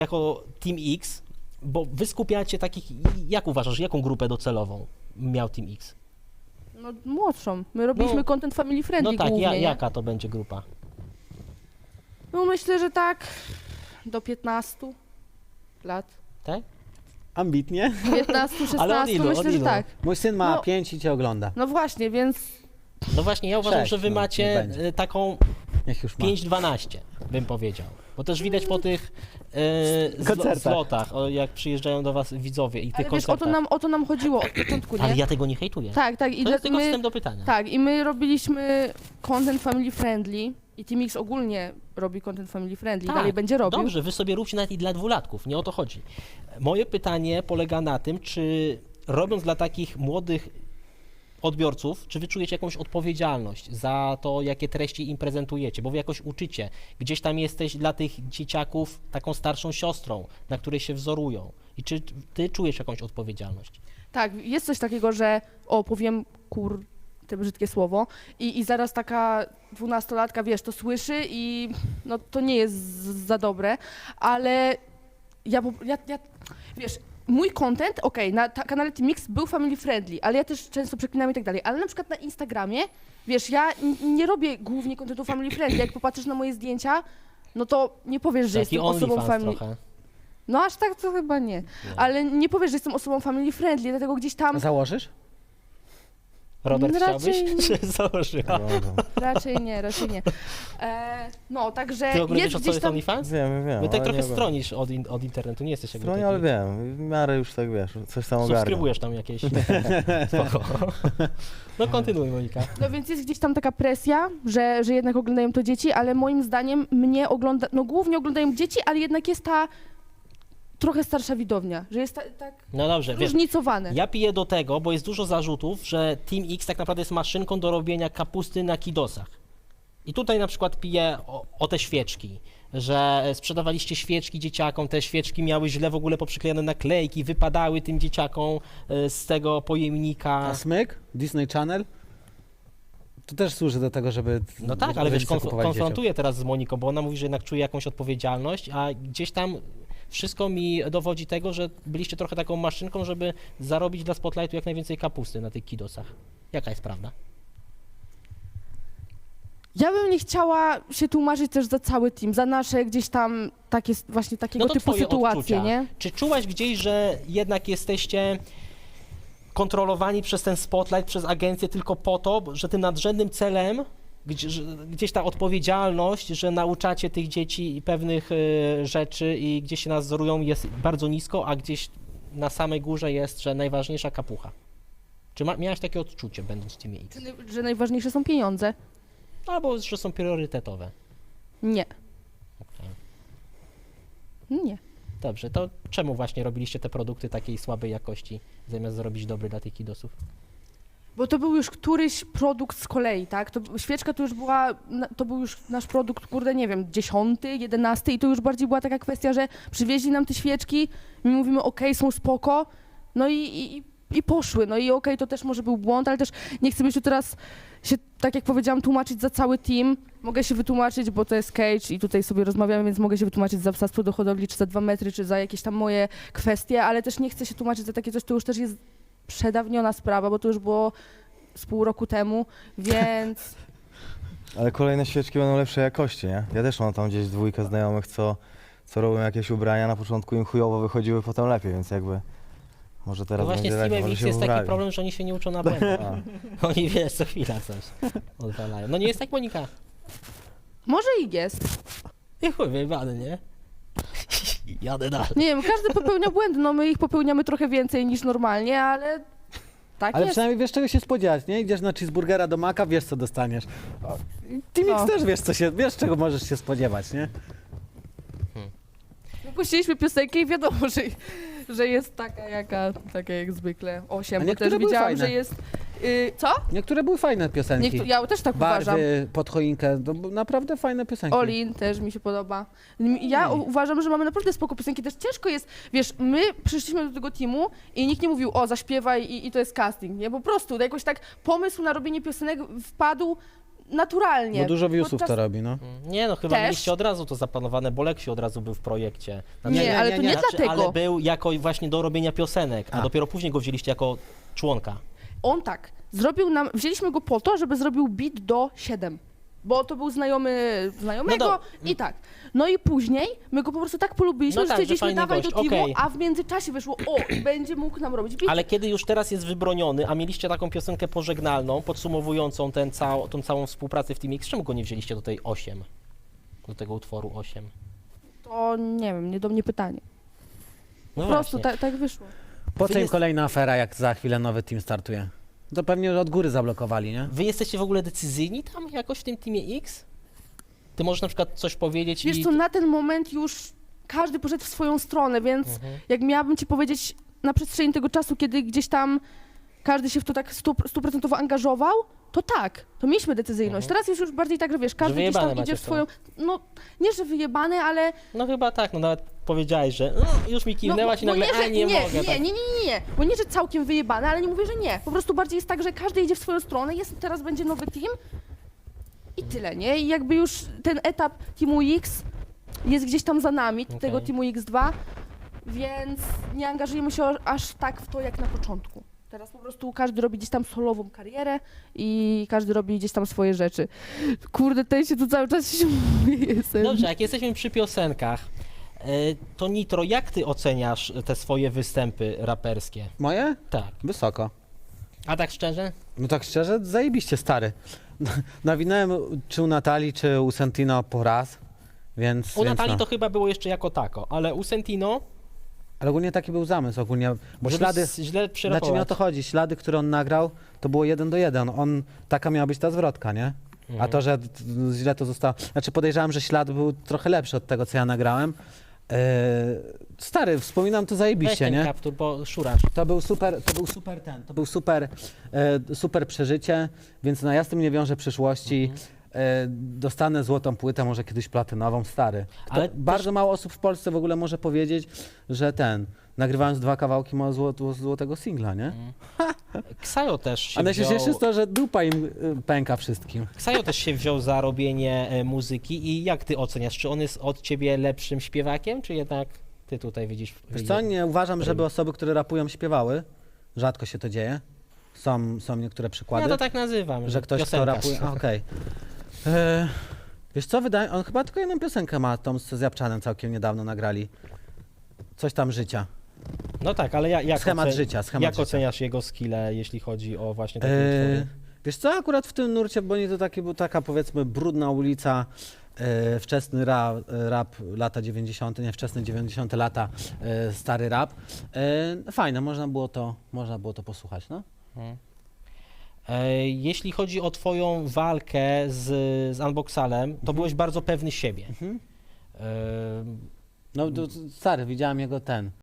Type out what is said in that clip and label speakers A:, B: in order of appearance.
A: jako Team X, bo wy skupiacie takich, jak uważasz, jaką grupę docelową miał Team X?
B: No młodszą. My robiliśmy content family friendly
A: No tak,
B: głównie, nie?
A: jaka to będzie grupa?
B: No myślę, że tak do 15 lat.
A: Tak?
C: Ambitnie.
B: 15, 16,
A: Ale od ilu,
B: myślę,
A: od
B: że
A: ilu?
B: tak.
C: Mój syn ma
B: No.
C: 5 i cię ogląda.
B: No właśnie, więc
A: No właśnie, ja uważam,
C: 6,
A: że wy
C: no,
A: macie
C: niech będzie.
A: taką
C: Niech już ma.
A: 5-12, bym powiedział. Bo też widać po tych
C: Koncertach.
A: zlotach, jak przyjeżdżają do was widzowie i tych
B: ale wiesz,
A: koncertach.
B: o to nam chodziło od początku, nie?
A: Ale ja tego nie hejtuję.
B: Tak, tak.
A: To jest tylko wstęp do pytania.
B: Tak, i my robiliśmy content family friendly i Team X ogólnie robi content family friendly,
A: Tak,
B: dalej będzie robił.
A: Dobrze, wy sobie róbcie nawet i dla dwulatków, nie o to chodzi. Moje pytanie polega na tym, czy robiąc dla takich młodych odbiorców, czy wy czujecie jakąś odpowiedzialność za to, jakie treści im prezentujecie, bo wy jakoś uczycie, gdzieś tam jesteś dla tych dzieciaków taką starszą siostrą, na której się wzorują. I czy ty czujesz jakąś odpowiedzialność?
B: Tak, jest coś takiego, że powiem te brzydkie słowo i zaraz taka 12-latka, wiesz, to słyszy i no to nie jest za dobre, ale ja wiesz, mój content, na kanale Team X był family friendly, ale ja też często przeklinam i tak dalej, ale na przykład na Instagramie, wiesz, ja nie robię głównie contentu family friendly, jak popatrzysz na moje zdjęcia, no to nie powiesz, że
A: Taki
B: jestem osobą
A: OnlyFans
B: family...
A: trochę.
B: No aż tak to chyba nie, ale nie powiesz, że jestem osobą family friendly, dlatego gdzieś tam...
C: Założysz?
A: Robert,
B: Raczej
A: chciałbyś?
B: nie.
A: Czy założyła?
B: Raczej nie. No, także
A: Ty ogólnie
B: jest
A: wiesz, o co
B: gdzieś
A: jest
B: tam...
A: OnlyFans?
D: Wiem.
A: Bo tak
D: ale
A: trochę
D: nie wiem.
A: stronisz od internetu, nie jesteś jakby
D: Stronie,
A: taki...
D: ale wiem. W miarę już tak, wiesz, coś tam ogarniam.
A: Subskrybujesz tam jakieś... Spoko. No kontynuuj, Monika.
B: No więc jest gdzieś tam taka presja, że jednak oglądają to dzieci, ale moim zdaniem mnie głównie oglądają dzieci, ale jednak jest ta trochę starsza widownia, że jest tak
A: No dobrze, wiesz,
B: różnicowane.
A: ja piję do tego, bo jest dużo zarzutów, że Team X tak naprawdę jest maszynką do robienia kapusty na kidosach. I tutaj na przykład piję o te świeczki, że sprzedawaliście świeczki dzieciakom, te świeczki miały źle w ogóle poprzyklejone naklejki, wypadały tym dzieciakom z tego pojemnika.
C: A Smyk? Disney Channel? To też służy do tego, żeby...
A: No tak, ale wiesz,
C: rodzice kupowali dzieciom.
A: konfrontuję teraz z Moniką, bo ona mówi, że jednak czuje jakąś odpowiedzialność, a gdzieś tam wszystko mi dowodzi tego, że byliście trochę taką maszynką, żeby zarobić dla Spotlightu jak najwięcej kapusty na tych kidosach. Jaka jest prawda?
B: Ja bym nie chciała się tłumaczyć też za cały team, za nasze gdzieś tam właśnie takiego
A: No to
B: typu
A: twoje
B: sytuacje,
A: odczucia.
B: nie?
A: Czy czułaś gdzieś, że jednak jesteście kontrolowani przez ten Spotlight, przez agencję tylko po to, że tym nadrzędnym celem, gdzieś ta odpowiedzialność, że nauczacie tych dzieci pewnych rzeczy i gdzieś się nas wzorują, jest bardzo nisko, a gdzieś na samej górze jest, że najważniejsza kapucha. Czy miałaś takie odczucie, będąc w Teamie X?
B: Że najważniejsze są pieniądze.
A: Albo, że są priorytetowe.
B: Nie.
A: Okej.
B: Nie.
A: Dobrze, to czemu właśnie robiliście te produkty takiej słabej jakości, zamiast zrobić dobry dla tych kidosów?
B: Bo to był już któryś produkt z kolei, tak? Świeczka to był już nasz produkt, kurde, nie wiem, 10., 11 i to już bardziej była taka kwestia, że przywieźli nam te świeczki, my mówimy, okej, są spoko, no i poszły, no i okej, to też może był błąd, ale też nie chcę być tu teraz się, tak jak powiedziałam, tłumaczyć za cały team. Mogę się wytłumaczyć, bo to jest cage i tutaj sobie rozmawiamy, więc mogę się wytłumaczyć za psa z do hodowli, czy za 2 metry, czy za jakieś tam moje kwestie, ale też nie chcę się tłumaczyć za takie coś, to już też jest przedawniona sprawa, bo to już było z pół roku temu, więc...
D: Ale kolejne świeczki będą lepszej jakości, nie? Ja też mam tam gdzieś 2 znajomych, co robią jakieś ubrania, na początku im chujowo wychodziły, potem lepiej, więc jakby może
A: No
D: teraz
A: właśnie
D: będzie
A: z
D: lepiej,
A: Teamem
D: może
A: X
D: się
A: jest taki
D: poprawi.
A: problem, że oni się nie uczą na błędach.
D: A.
A: Oni, wiesz, co chwila coś odwalają. No nie jest tak, Monika?
B: Może i jest.
A: Nie chuj, wyjebany, nie? Jadę dalej.
B: Nie wiem, każdy popełnia błędy, no my ich popełniamy trochę więcej niż normalnie, ale tak
C: Ale
B: jest.
C: przynajmniej wiesz, czego się spodziewać, nie? Idziesz na cheeseburgera do Maka, wiesz, co dostaniesz. Team X
B: No.
C: też wiesz, czego możesz się spodziewać, nie?
B: Puściliśmy piosenkę i wiadomo, że jest taka jak zwykle. 8,
C: A
B: bo
C: niektóre
B: też
C: były
B: widziałam,
C: fajne.
B: że jest... co?
C: Niektóre były fajne piosenki.
B: Ja też tak uważam.
C: Barwy pod choinkę, to były naprawdę fajne piosenki.
B: Olin też mi się podoba. Ja uważam, że mamy naprawdę spoko piosenki. Też ciężko jest, wiesz, my przyszliśmy do tego teamu i nikt nie mówił, zaśpiewaj i to jest casting, nie? Po prostu jakoś tak pomysł na robienie piosenek wpadł naturalnie.
C: Bo dużo viewsów
B: Podczas-
C: to robi, no.
A: Nie no, chyba
B: Też?
A: mieliście od razu to zaplanowane, bo Leksiu od razu był w projekcie.
B: Nie, ale to nie dlatego.
A: Ale był jako właśnie do robienia piosenek, a
C: A.
A: dopiero później go wzięliście jako członka.
B: On tak, wzięliśmy go po to, żeby zrobił beat do 7. Bo to był znajomego
A: No
B: i tak. No i później my go po prostu tak polubiliśmy,
A: No
B: że
A: tak, że
B: stwierdziliśmy
A: fajny
B: dawaj
A: gość,
B: do Timu,
A: okej.
B: a w międzyczasie wyszło, będzie mógł nam robić beat.
A: Ale kiedy już teraz jest wybroniony, a mieliście taką piosenkę pożegnalną, podsumowującą tą całą współpracę w Team X, czemu go nie wzięliście do tej 8? Do tego utworu 8?
B: To nie wiem, nie do mnie pytanie.
A: No
B: Po prostu
A: właśnie.
B: tak wyszło.
C: Po
A: Wy
C: co im
A: jest-
C: kolejna afera, jak za chwilę nowy team startuje? To pewnie od góry zablokowali, nie?
A: Wy jesteście w ogóle decyzyjni tam jakoś w tym Teamie X? Ty możesz na przykład coś powiedzieć
B: Wiesz
A: i...
B: co, na ten moment już każdy poszedł w swoją stronę, więc jak miałabym ci powiedzieć na przestrzeni tego czasu, kiedy gdzieś tam każdy się w to tak stuprocentowo angażował, to tak, to mieliśmy decyzyjność. Teraz jest już bardziej tak, że wiesz, każdy gdzieś tam
A: wyjebane
B: idzie
A: macie
B: w
A: w
B: swoją... No, nie, że wyjebane, ale...
A: No chyba tak, no nawet powiedziałeś, że już mi kiwnęłaś i nagle,
B: że,
A: nie mogę.
B: nie,
A: tak.
B: nie, bo nie, że całkiem wyjebane, ale nie mówię, że nie. Po prostu bardziej jest tak, że każdy idzie w swoją stronę, teraz będzie nowy team i tyle, nie? I jakby już ten etap Teamu X jest gdzieś tam za nami, tego
A: Okej.
B: Teamu X2, więc nie angażujemy się aż tak w to jak na początku. Teraz po prostu każdy robi gdzieś tam solową karierę i każdy robi gdzieś tam swoje rzeczy. Kurde, ten się tu cały czas śmieje.
A: Dobrze, jak jesteśmy przy piosenkach, to Nitro, jak ty oceniasz te swoje występy raperskie?
C: Moje?
A: Tak.
C: Wysoko.
A: A tak szczerze?
C: No tak szczerze, zajebiście stary. Nawinąłem czy u Natalii, czy u Sentino po raz, więc...
A: U
C: więc
A: Natalii
C: no.
A: to chyba było jeszcze jako tako, ale u Sentino,
C: Ale ogólnie taki był zamysł, ogólnie, bo
A: żeby
C: ślady...
A: źle
C: Znaczy nie o
A: przerapować.
C: to chodzi, ślady, które on nagrał, to było 1:1. Taka miała być ta zwrotka, nie? A to, że źle to zostało... Znaczy podejrzewam, że ślad był trochę lepszy od tego, co ja nagrałem. Stary, wspominam to
A: Weź
C: zajebiście,
A: ten
C: nie?
A: kaptur, bo szurasz.
C: To był super przeżycie, więc no ja z tym nie wiążę przyszłości. Dostanę złotą płytę, może kiedyś platynową, stary.
A: Ale
C: Bardzo
A: też-
C: mało osób w Polsce w ogóle może powiedzieć, że nagrywając 2 kawałki ma złotego singla, nie?
A: Ksajo też się
C: A najśmieszniejsze
A: wziął...
C: jest to, że dupa im pęka wszystkim.
A: Ksajo też się wziął za robienie muzyki i jak ty oceniasz, czy on jest od ciebie lepszym śpiewakiem, czy jednak ty tutaj widzisz...
C: Wiesz co, nie uważam, żeby osoby, które rapują, śpiewały. Rzadko się to dzieje. Są niektóre przykłady.
A: Ja to tak nazywam,
C: że ktoś, kto
A: piosenkarz.
C: rapuje. Okej. Wiesz co, on chyba tylko jedną piosenkę ma, tą z Japczanem całkiem niedawno nagrali. Coś tam życia.
A: No tak, ale jak
C: Schemat
A: jak
C: życia.
A: oceniasz jego skille, jeśli chodzi o właśnie takie utwory?
C: Wiesz co, akurat w tym nurcie, bo nie to był taka powiedzmy brudna ulica, wczesny rap lata 90., nie wczesne 90. lata, stary rap. Fajne, można było to posłuchać, no.
A: Jeśli chodzi o twoją walkę z Unboxalem, to byłeś bardzo pewny siebie.
C: No, stary, widziałem jego